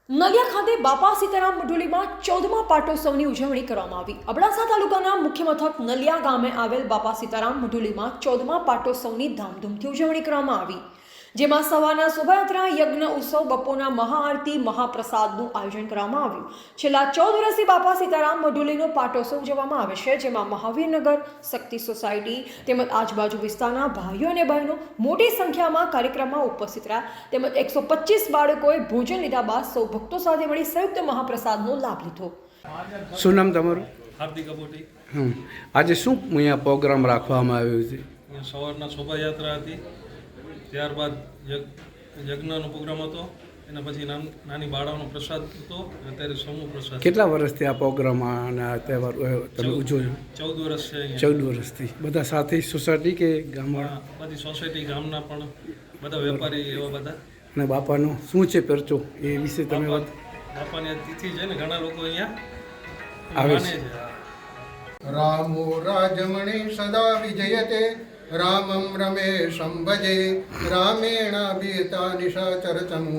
નલિયા ખાતે બાપા સીતારામ મઢુલીમાં 14મા પાટોત્સવની ઉજવણી કરવામાં આવી। અબડાસા તાલુકાના મુખ્ય મથક નલિયા ગામે આવેલ બાપા સીતારામ મઢુલીમાં 14મા પાટોત્સવની ધામધૂમથી ઉજવણી કરવામાં આવી, જેમાં સવારના શોભાયાત્રા, યજ્ઞ ઉત્સવ, બપોરના મહાઆરતી, મહાપ્રસાદનું આયોજન કરવામાં આવ્યું। છેલ્લા 14 વર્ષથી બાપા સીતારામ મઢુલીનો પાટોત્સવ ઉજવવામાં આવે છે, જેમાં મહાવીરનગર, શક્તિ સોસાયટી તેમજ આજુબાજુ વિસ્તારના ભાઈઓ અને બહેનો મોટી સંખ્યામાં કાર્યક્રમમાં ઉપસ્થિત રહ્યા તેમજ 125 બાળકોએ ભોજન લીધા બાદ સૌ ભક્તો સાથે મળી સંયુક્ત મહાપ્રસાદનો લાભ લીધો। શું નામ તમારું? હાર્દિક અબોટી। આજે શું અહીંયા પ્રોગ્રામ રાખવામાં આવ્યો છે? અહીંયા સવારના શોભાયાત્રા હતી, ત્યારબાદ યજ્ઞનો પ્રોગ્રામ હતો, એના પછી નાની બાળાનો પ્રસાદ હતો, અત્યારે સમૂહ પ્રસાદ। કેટલા વર્ષથી આ પ્રોગ્રામ અને આ તહેવાર તમે ઉજવો છો? 14 વર્ષ છે અહીંયા। 14 વર્ષથી બધા સાથે સોસાયટી કે ગામવાળા? બધી સોસાયટી, ગામના પણ બધા વેપારી એવા બધા। અને બાપાનો શું છે પરચો એ વિશે તમે વાત? બાપાની તિથિ છે ને, ઘણા લોકો અહીંયા આવે માને છે। છે। रामो राजमणि सदा विजयते रामं रमेशं भजे रामेणाभिता निशाचरतनु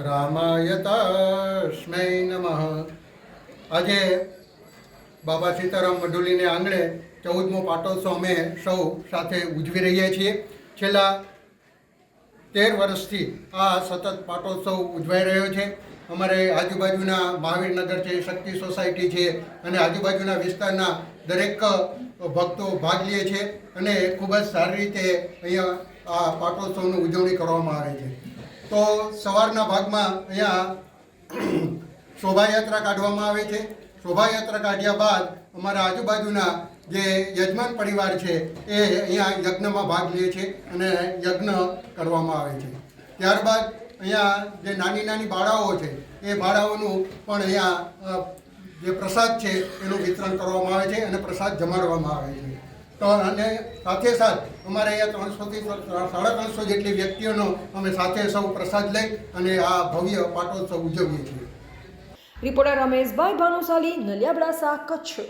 रामायतास्मै नमः। આજે બાબા સીતારામ મઢુલીને આંગણે 14મો પાટોત્સવ અમે સૌ સાથે ઉજવી રહ્યા છીએ। છેલ્લા 13 વર્ષથી આ સતત પાટોત્સવ ઉજવાઈ રહ્યો છે। અમારે આજુબાજુના મહાવીરનગર છે, શક્તિ સોસાયટી છે અને આજુબાજુના વિસ્તારના દરેક ભક્તો ભાગ લે છે અને ખૂબ જ સારી રીતે અહીંયા આ પાટોત્સવની ઉજવણી કરવામાં આવે છે। તો સવારના ભાગમાં અહીંયા શોભાયાત્રા કાઢવામાં આવે છે। શોભાયાત્રા કાઢ્યા બાદ અમારા આજુબાજુના જે યજમાન પરિવાર છે એ અહીંયા યજ્ઞમાં ભાગ લે છે અને યજ્ઞ કરવામાં આવે છે। ત્યારબાદ અહીંયા જે નાની નાની બાળાઓ છે એ બાળાઓનું પણ અહીંયા જે પ્રસાદ છે એનું વિતરણ કરવામાં આવે છે અને પ્રસાદ જમાડવામાં આવે છે। તો અને સાથે સાથ અમારે અહીંયા 300 થી 350 જેટલી વ્યક્તિઓનો અમે સાથે સૌ પ્રસાદ લઈ અને આ ભવ્ય પાટોત્સવ ઉજવીએ છીએ। રિપોર્ટર રમેશભાઈ ભાનુશાલી, નલિયા, અબડાસા, કચ્છ।